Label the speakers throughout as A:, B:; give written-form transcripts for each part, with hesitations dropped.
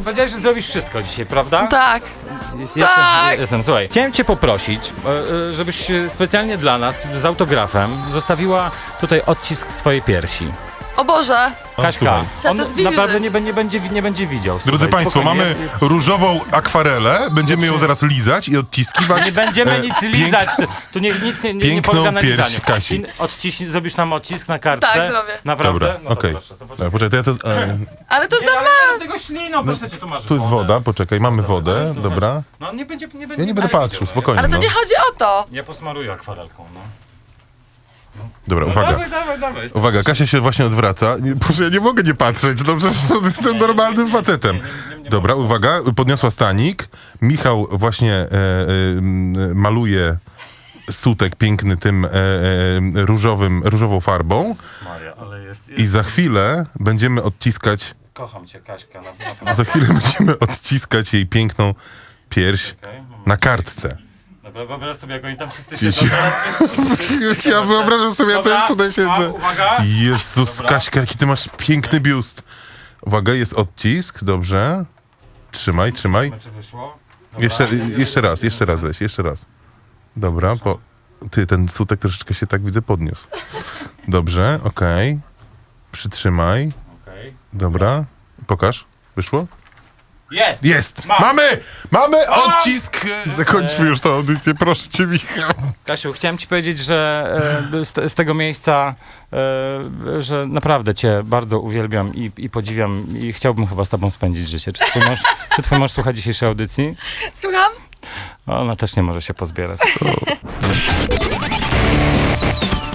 A: powiedziałeś, że zrobisz wszystko dzisiaj, prawda?
B: Tak.
A: Jestem. Słuchaj, chciałem cię poprosić, żebyś specjalnie dla nas z autografem zostawiła tutaj odcisk swojej piersi.
B: O Boże.
A: Kaśka,
B: Trzeba to
A: on
B: zwilżyć.
A: naprawdę nie będzie widział.
C: Drodzy
A: Słuchaj,
C: Państwo,
A: spokojnie.
C: mamy różową akwarelę, będziemy ją zaraz lizać i odciskiwać.
A: Nie będziemy nic lizać, tu nic nie
C: piękną
A: polega na
C: pierś
A: lizaniu.
C: Kasi.
A: Zrobisz nam odcisk na kartce?
B: Tak, zrobię.
A: Naprawdę?
C: Dobra,
A: No to
C: okej.
A: proszę, to poczekaj.
C: Poczekaj, to ja to...
B: Ale to za
A: Ale
B: mało.
A: nie rób tego śliną, proszę cię, tu masz
C: Tu jest woda, poczekaj, mamy wodę, dobra.
A: No nie będzie
C: Ja nie będę patrzył,
A: widział,
C: spokojnie.
B: Ale to
C: No.
B: nie chodzi o to.
A: Ja posmaruję akwarelką, no.
C: Dobra,
A: No
C: uwaga.
A: Dawaj.
C: Uwaga, Kasia się właśnie odwraca. Boże, ja nie mogę nie patrzeć, no przecież jestem normalnym facetem. Dobra, uwaga, podniosła stanik. Michał właśnie maluje sutek piękny tym różową farbą.
A: Maria, ale jest...
C: I za chwilę będziemy odciskać,
A: Kocham cię, Kaśka, naprawdę.
C: za chwilę będziemy odciskać jej piękną pierś na kartce.
A: Dobra, wyobraź sobie, jak oni tam wszyscy siedzą teraz.
C: Ja wyobrażam sobie, ja też tutaj siedzę.
A: Uwaga.
C: Jezus,
A: Dobra.
C: Kaśka, jaki ty masz piękny biust. Uwaga, jest odcisk, dobrze. Trzymaj.
A: Czy wyszło? Dobra.
C: Jeszcze raz weź, jeszcze raz. Dobra, bo ty, ten sutek troszeczkę się tak widzę podniósł. Dobrze, okej. Przytrzymaj.
A: Okej.
C: Dobra, pokaż. Wyszło?
A: Jest!
C: Jest!
A: Mam.
C: Mamy odcisk! Zakończmy już tę audycję, proszę cię, Michał.
A: Kasiu, chciałem ci powiedzieć, że z tego miejsca, że naprawdę cię bardzo uwielbiam i podziwiam i chciałbym chyba z tobą spędzić życie. Czy twój mąż słucha dzisiejszej audycji?
B: Słucham?
A: Ona też nie może się pozbierać.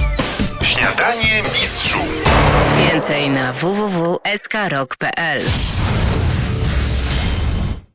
D: Śniadanie mistrzów.
E: Więcej na www.skrok.pl